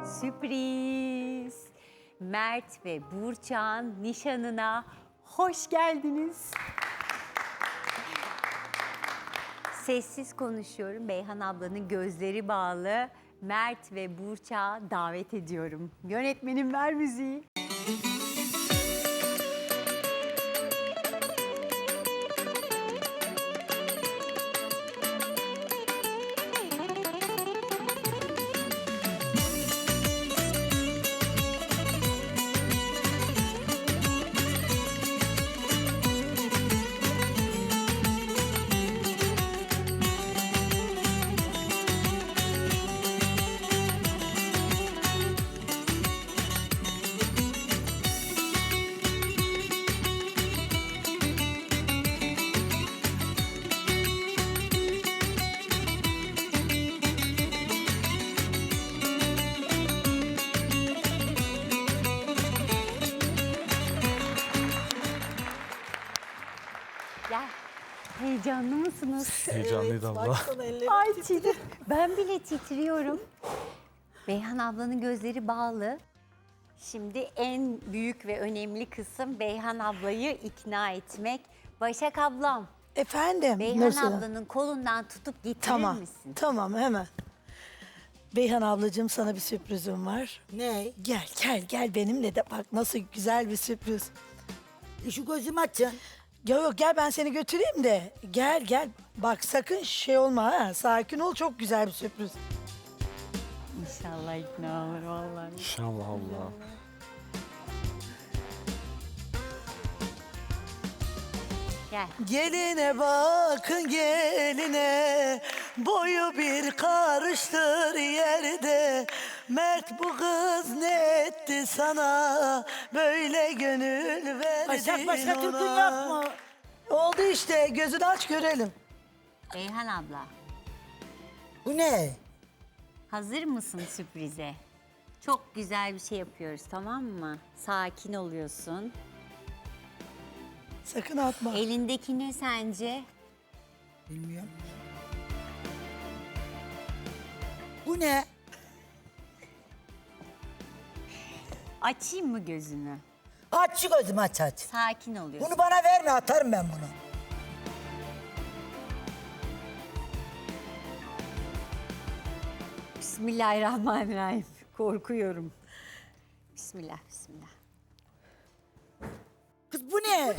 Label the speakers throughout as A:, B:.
A: Sürpriz. Mert ve Burçak'ın nişanına hoş geldiniz. Sessiz konuşuyorum. Beyhan ablanın gözleri bağlı. Mert ve Burçak'ı davet ediyorum. Yönetmenim ver müziği. Gel. Heyecanlı mısınız?
B: Heyecanlıydı abla.
A: Ay Çiğdem, ben bile titriyorum. Beyhan ablanın gözleri bağlı. Şimdi en büyük ve önemli kısım Beyhan ablayı ikna etmek. Başak ablam,
C: Efendim?
A: Beyhan
C: Nursel.
A: ablanın kolundan tutup getirir
C: Tamam,
A: misin?
C: tamam hemen. Beyhan ablacığım sana bir sürprizim var.
D: Ne?
C: Gel benimle de bak nasıl güzel bir sürpriz.
D: Şu gözümü açın.
C: Yok gel ben seni götüreyim de. Gel. Bak sakın şey olma ha. Sakin ol çok güzel bir sürpriz.
A: İnşallah ikna olur vallahi.
B: İnşallah abla.
A: Gel.
C: Geline bakın geline. Boyu bir karıştır yerde. Mert bu kız ne etti sana? Böyle gönül verdin
D: Başka türkün
C: ona.
D: yok mu?
C: Oldu işte gözünü aç görelim.
A: Beyhan abla,
D: Bu ne?
A: hazır mısın sürprize? Çok güzel bir şey yapıyoruz, tamam mı? Sakin oluyorsun.
C: Sakın atma.
A: Elindeki ne sence?
D: Bilmiyorum. Bu ne?
A: Açayım mı gözünü?
D: Aç şu gözümü aç.
A: Sakin oluyorsun.
D: Bunu bana verme, atarım ben bunu.
A: Bismillahirrahmanirrahim. Korkuyorum. Bismillah.
D: Kız bu ne?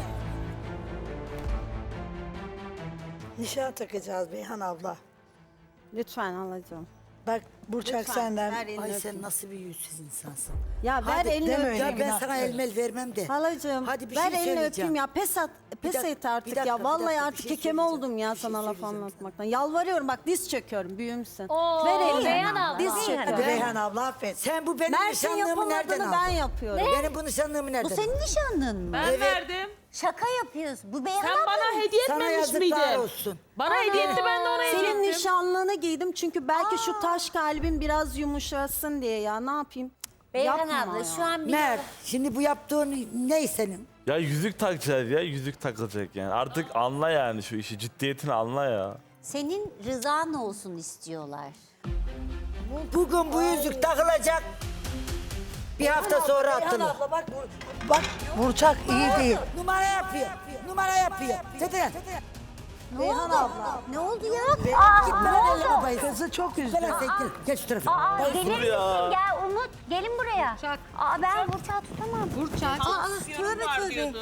C: Nişan takacağız Beyhan abla.
E: Lütfen halacığım.
C: Bak Burçak
E: Lütfen,
C: senden.
E: ver elini
D: Ay
E: öpeyim.
D: sen nasıl bir yüzsüz insansın.
E: Ya ver elini
C: deme
E: öpeyim.
C: öyle.
D: Ya ben
C: günah
D: sana
C: ver.
D: elmel vermem de.
E: Halacığım
D: Hadi bir
E: ver
D: şey
E: elini
D: söyleyeceğim.
E: öpeyim ya. Pes
D: Bir
E: et artık
D: dakika,
E: ya.
D: bir
E: Vallahi
D: dakika, bir
E: artık
D: şey
E: kekeme
D: söyleyeceğim.
E: oldum ya
D: Bir şey
E: sana laf
D: söyleyeceğim.
E: anlatmaktan. Yalvarıyorum bak diz çöküyorum büyümsün.
F: Oo,
E: Ver elini.
F: Beyhan abla.
E: Diz
C: Hadi
E: çöküyorum.
C: Beyhan abla affet.
D: Sen bu benim
E: Mert'in
D: nişanlığımı nereden
E: yapamadığını
D: aldın?
E: ben yapıyorum.
D: Benim bu nişanlığımı nereden
A: Bu senin
D: aldın?
A: nişanlın mı?
F: Ben verdim.
A: Şaka yapıyorsun. Bu Beyhan
F: Sen
A: abla
F: bana
A: mı?
F: hediye
D: Sana
F: etmemiş
D: yazıklar
F: miydin?
D: olsun.
F: Bana hediye etti, ben de ona hediye
E: Senin
F: ettim.
E: nişanlığını giydim çünkü belki şu taş kalbim biraz yumuşasın diye ya. Ne yapayım?
A: Beyhan
E: Yapma
A: abla
E: ya.
A: şu an bir...
D: Mert, şimdi bu yaptığın ne senin?
B: Ya yüzük takacağız ya. Yüzük takılacak yani. Artık anla yani şu işi. Ciddiyetini anla ya.
A: Senin rızan olsun istiyorlar.
D: Bugün bu yüzük takılacak. Bir hafta sonra
C: Beyhan
D: atılır.
C: abla bak Burçak iyi değil.
D: Numara yapıyor. Numara yapıyor. Tete.
C: Beyhan abla.
A: Ne oldu ya?
D: Gitme lan elle babayı.
C: Kızı çok üzdü.
D: Gel sen gel. Gel şu tarafa.
A: Gelir misin?
B: ya.
A: Gel Umut. Gelin buraya. Ben Burçak'ı tutamam. Tövbe.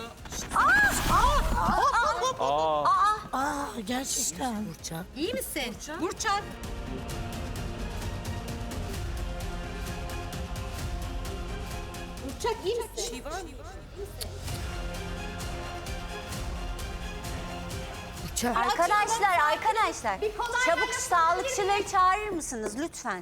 B: Aa.
C: Gerçekten.
D: Burçak.
F: İyi misin? Burçak. Burçak iyi misin?
D: Burçak.
A: Arkadaşlar. Çabuk sağlıkçıları çağırır mısınız lütfen?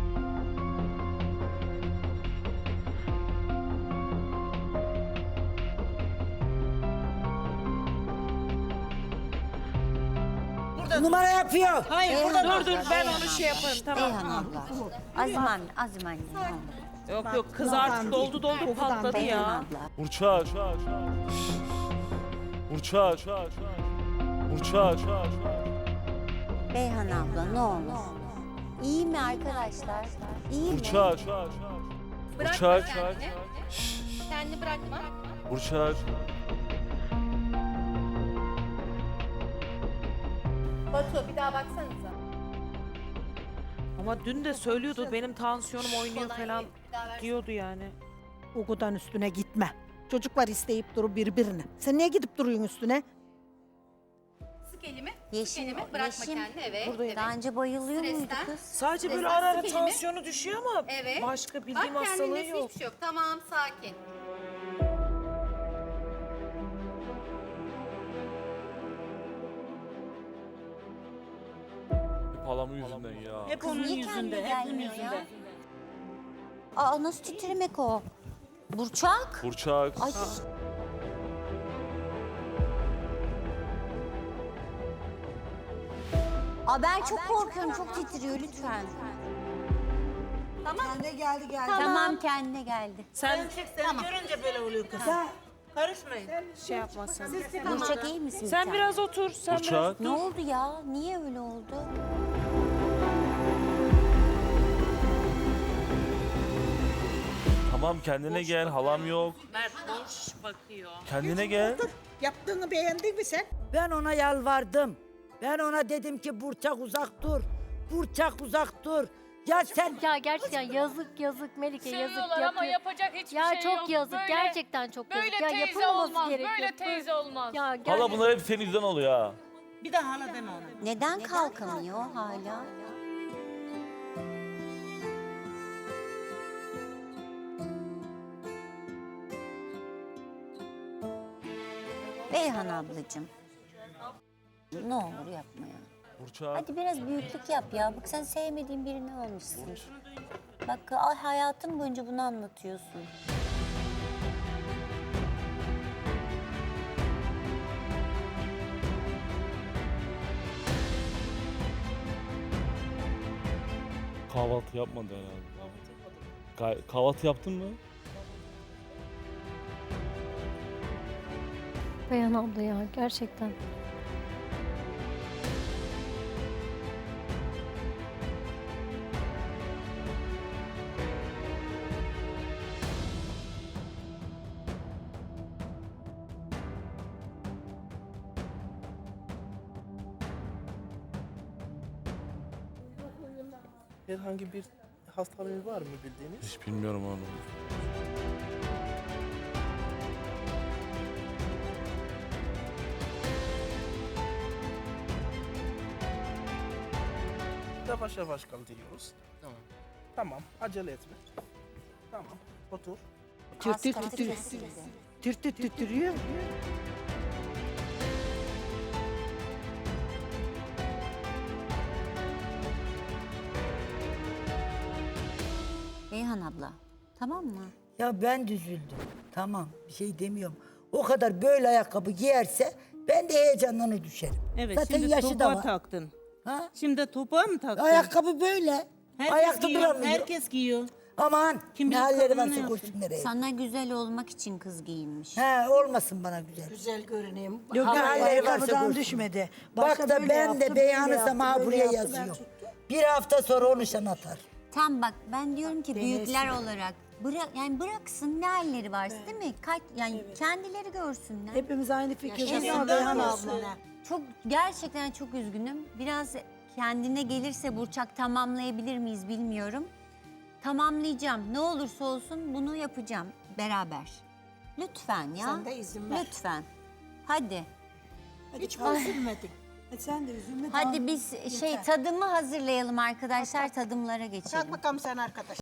D: Numara yapıyor.
F: Hayır burada dur ben onu şey yaparım tamam.
A: Beyhan abla. Azim anne. ne olur.
F: Yok kız artık doldu patladı
A: Beyhan
F: ya.
A: abla.
B: Burçak. Burçak. Burçak.
A: Beyhan abla ne olur. İyi mi arkadaşlar? İyi mi?
B: Burçak.
G: Bırakma
B: Burçak.
G: kendini. Kendini bırakma.
B: Burçak.
G: Batu bir daha baksanıza.
F: Ama dün de söylüyordu benim tansiyonum oynuyor falan diyordu yani.
E: Ugu'dan üstüne gitme. Çocuklar isteyip duru birbirini. Sen niye gidip duruyorsun üstüne?
G: Sık elimi.
A: Yeşim,
G: Elimi bırakma
A: Yeşim.
G: kendini. Evet.
F: Buradayım.
A: Daha önce bayılıyor muydu
G: Stresten.
A: kız?
F: Sadece böyle
G: Esas
F: ara ara
G: kelime.
F: tansiyonu düşüyor ama
G: Evet.
F: başka bildiğim
G: Bak
F: hastalığı
G: kendinde
F: yok.
G: hiçbir şey yok. Tamam sakin.
B: Hep halamın yüzünden ya.
H: Hep
A: Kız
H: onun
A: niye kendine
H: yüzünde, hep onun
A: gelmiyor ya?
H: yüzünde.
A: Aa nasıl titremek o? Burçak.
B: Burçak.
A: Ay. Aa ben çok korkuyorum, çok titriyor lütfen.
C: Kendine geldi.
A: Tamam kendine geldi.
H: Sen görünce böyle oluyor kız. Karışmayın.
F: Şey yapmasın.
A: Burçak iyi misin?
F: Sen
A: sen?
F: biraz otur. Sen biraz
B: Burçak.
A: Ne oldu ya? Niye öyle oldu?
B: Tamam kendine gel. Halam yok.
H: Mert boş bakıyor.
B: Kendine gel.
H: Yaptığını beğendin mi sen?
D: Ben ona yalvardım. Ben ona dedim ki Burçak uzak dur. Burçak uzak dur. Ya sen
I: Ya gerçekten yazık Melike yazık
J: Seviyorlar ama yapacak hiçbir
I: Ya
J: şey yok.
I: çok yazık
J: Böyle-
I: gerçekten çok yazık.
J: Böyle
I: Ya
J: teyze
I: yapılmaması
J: olmaz,
I: gerekiyor.
J: böyle teyze olmaz.
I: Ya
B: Hala
I: gerçekten.
B: bunlar hep senin yüzünden oluyor ha.
H: Bir daha hala deme ona.
A: Neden kalkamıyor hala? Beyhan ablacığım. Ne olur yapma ya.
B: Burçak.
A: Hadi biraz büyüklük yap ya. Bak sen sevmediğin birini almışsın. Bak ay, hayatın boyunca bunu anlatıyorsun.
B: Kahvaltı yapmadı herhalde. Kahvaltı yaptın mı?
I: Beyhan abla ya gerçekten.
K: Herhangi bir hastalığı var mı bildiğiniz?
B: Hiç bilmiyorum onu.
K: Yavaş yavaş kaldırıyoruz. Tamam. Tamam, acele etme. Tamam, otur.
A: Kas katı kesildi.
C: Tütürüyor.
A: Beyhan abla tamam mı?
D: ya ben düzüldüm. Tamam bir şey demiyorum. O kadar böyle ayakkabı giyerse ben de heyecanlanır düşerim.
H: Evet
D: Zaten
H: şimdi
D: yaşı da
H: topuğa
D: var.
H: taktın.
D: Ha?
H: Şimdi topuğa mı taktın?
D: Ayakkabı böyle.
H: Herkes
D: Ayakta
H: giyiyor,
D: duramıyor.
H: herkes giyiyor.
D: Aman
H: Kim
D: ne
H: bilir
D: halleri
H: kadın ne
D: varsa
H: yapıyor?
D: koşsun nereye.
A: Sana güzel olmak için kız giyinmiş.
D: He olmasın bana güzel.
C: Güzel görüneyim.
D: Yok, ne halleri varsa
C: ayakkabıdan
D: görsün.
C: düşmedi.
D: Bak
C: Başta
D: da
C: böyle
D: ben
C: yaptı,
D: de
C: böyle
D: beyanısam
C: yaptı,
D: ha
C: böyle
D: buraya
C: yaptı, ben
D: yazıyor.
C: tuttum.
D: Bir hafta sonra o nişan atar.
A: Tam bak ben diyorum ki büyükler olarak yani bıraksın ne halleri varsa değil mi? Yani kendileri görsünler.
C: Hepimiz aynı fikirdeyiz ama
H: Yaşasın
C: Beyhan
H: olsun.
C: abla.
A: Çok gerçekten çok üzgünüm. Biraz kendine gelirse Burçak tamamlayabilir miyiz bilmiyorum. Tamamlayacağım. Ne olursa olsun bunu yapacağım beraber. Lütfen ya.
C: Sen de izin ver.
A: Lütfen. Hadi.
C: Hiç üzülmedin. Sen de üzülme.
A: Hadi biz tadımı hazırlayalım arkadaşlar. Tadımlara geçelim.
H: Kalk bakalım sen arkadaş.